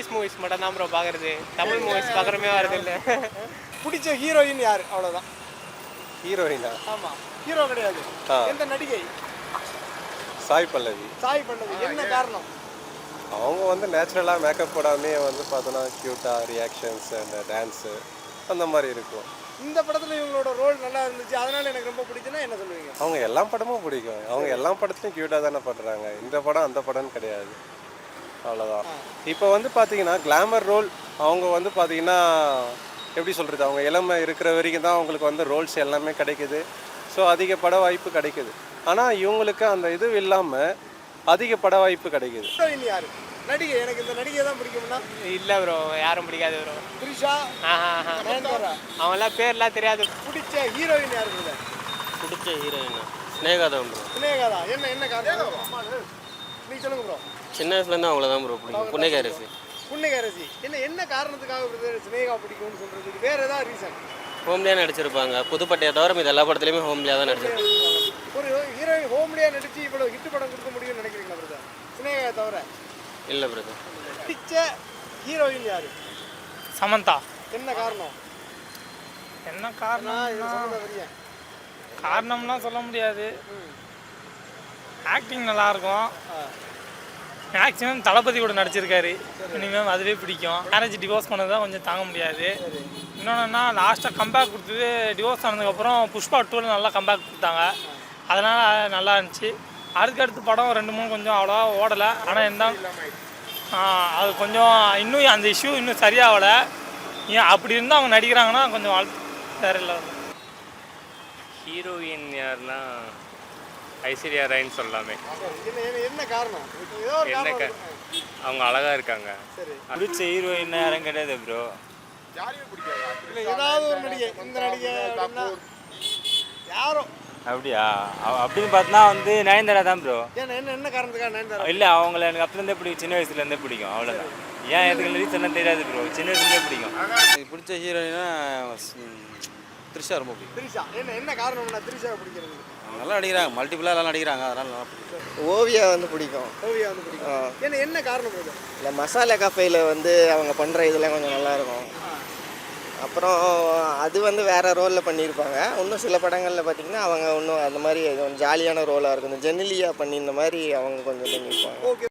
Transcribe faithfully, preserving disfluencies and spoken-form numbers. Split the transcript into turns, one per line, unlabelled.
English movies மட்டும் தான் bro பார்க்குறது. தமிழ் மூவிஸ் பார்க்குறமே வரது இல்லை.
பிடிச்ச ஹீரோயின் யார்? அவ்வளோதான்.
ஹீரோயினா?
ஆமாம், ஹீரோ கிடையாது. எந்த நடிகை?
சாய் பல்லவி.
சாய் பல்லவி. என்ன காரணம்?
அவங்க வந்து நேச்சுரலாக மேக்கப் போடாமே வந்து பார்த்தோன்னா க்யூட்டாக ரியாக்ஷன்ஸ் அந்த டான்ஸு அந்த மாதிரி இருக்கும்.
இந்த படத்தில் இவங்களோட ரோல் நல்லா இருந்துச்சு, அதனால எனக்கு ரொம்ப பிடிச்சுன்னா என்ன சொல்லுவீங்க?
அவங்க எல்லா படமும் பிடிக்கும். அவங்க எல்லா படத்துலையும் க்யூட்டாக தானே பண்ணுறாங்க. இந்த படம் அந்த படம்னு கிடையாது, அவ்வளோதான். இப்போ வந்து பார்த்தீங்கன்னா கிளாமர் ரோல் அவங்க வந்து பார்த்தீங்கன்னா எப்படி சொல்கிறது, அவங்க இளமை இருக்கிற வரைக்கும் தான் அவங்களுக்கு வந்து ரோல்ஸ் எல்லாமே கிடைக்குது. ஸோ அதிக பட வாய்ப்பு கிடைக்குது. ஆனால் இவங்களுக்கு அந்த இது இல்லாமல் அதிக பட வாய்ப்பு கிடைக்குது.
ஹீரோயின் யார்? நடிகை. எனக்கு இந்த நடிகை தான் பிடிக்கும்னா
இல்லை ப்ரோ, யாரும் பிடிக்காது ப்ரோ.
த்ரிஷா,
ஆஹா,
நயன்தாரா.
அவங்களாம் பேர்லாம் தெரியாது.
பிடிச்ச ஹீரோயின் யார்?
பிடிச்ச ஹீரோயின் ஸ்னேகா தான் ப்ரோ.
ஸ்னேகா தான். என்ன என்ன காரணம்? நீங்க சொல்லுங்க ப்ரோ.
சின்ன வயசுலேருந்து அவங்கள தான் ப்ரோ பிடிக்கும். புன்னகையரசி.
புன்னகையரசி. என்ன என்ன காரணத்துக்காக பிரதர் ஸ்னேகா பிடிக்கும்னு சொல்றதுக்கு வேற ஏதாவது ரீசன்?
ஹோம்லியாக நடிச்சிருப்பாங்க. புதுப்பட்டையை தவிர இது எல்லா படத்துலையுமே ஹோம்லியாக தான் நடிச்சிருப்பாங்க.
ஒரு ஹீரோயின் ஹோம்லியா நடிச்சு இவ்வளவு ஹிட் படம் கொடுக்க முடியும்னு நினைக்கிறீங்களா பிரதர்? ஸ்னேகா தவிர
இல்லை பிரதர்.
பிடிச்ச ஹீரோயின் யாரு?
சமந்தா.
என்ன காரணம்?
என்ன காரணம்? காரணம்லாம் சொல்ல முடியாது. ஆக்டிங் நல்லா இருக்கும். மேக்ஸிமம் தளபதி கூட நடிச்சிருக்காரு. மினிமம் அதுவே பிடிக்கும். மேரேஜ் டிவோர்ஸ் பண்ணது தான் கொஞ்சம் தாங்க முடியாது. இன்னொன்னா லாஸ்ட்டாக கம்பேக் கொடுத்தது டிவோர்ஸ் ஆனதுக்கப்புறம் புஷ்பா டூவில் நல்லா கம்பேக் கொடுத்தாங்க. அதனால் நல்லா இருந்துச்சு. அதுக்கடுத்து படம் ரெண்டு மூணு கொஞ்சம் அவ்வளோவா ஓடலை. ஆனால் என்ன அது கொஞ்சம் இன்னும் அந்த இஷ்யூ இன்னும் சரியாகலை. ஏன் அப்படி இருந்தால் அவங்க நடிக்கிறாங்கன்னா கொஞ்சம் வாழ்த்து வேற இல்லை.
ஹீரோயின் யாருன்னா ஐஸ்வர்யா ராய்ன்னு சொல்லலாமே.
என்ன காரணம்?
என்ன அவங்க அழகா இருக்காங்க.
பிடிச்ச ஹீரோயின் யாரும் கிடையாது ப்ரோ.
ஏதாவது ஒரு நடிகை, இந்த நடிகை யாரோ
அப்படியா? அப்படின்னு பார்த்தா வந்து நயன்தாரா தான் ப்ரோ.
என்ன என்ன என்ன காரணத்துக்காக நயன்தாரா?
இல்லை, அவங்கள எனக்கு அப்போலேருந்தே பிடிக்கும். சின்ன வயசுலேருந்தே பிடிக்கும், அவ்வளோதான். ஏன் எதுக்கு ரீசன் தெரியாது ப்ரோ. சின்ன வயசுலேருந்தே பிடிக்கும்.
எனக்கு பிடிச்ச ஹீரோயினா த்ரிஷா ரொம்ப பிடிக்கும்.
த்ரிஷா. என்ன என்ன காரணம்னா த்ரிஷா பிடிக்கிறது?
நல்லா நடிக்கிறாங்க, மல்டிபிளாக நல்லா நடிக்கிறாங்க, அதனால நல்லா பிடிக்கும்.
ஓவியா வந்து பிடிக்கும்.
ஓவியா வந்து பிடிக்கும். என்ன என்ன காரணம் இது?
இல்லை, மசாலா கஃபேயில் வந்து அவங்க பண்ணுற இதெல்லாம் கொஞ்சம் நல்லாயிருக்கும். அப்புறம் அது வந்து வேறு ரோலில் பண்ணியிருப்பாங்க. இன்னும் சில படங்களில் பார்த்திங்கன்னா அவங்க இன்னும் அந்த மாதிரி கொஞ்சம் ஜாலியான ரோலாக இருக்கும். இந்த ஜெனிலியா பண்ணி இந்த மாதிரி அவங்க கொஞ்சம் பண்ணியிருப்பாங்க.
ஓகே.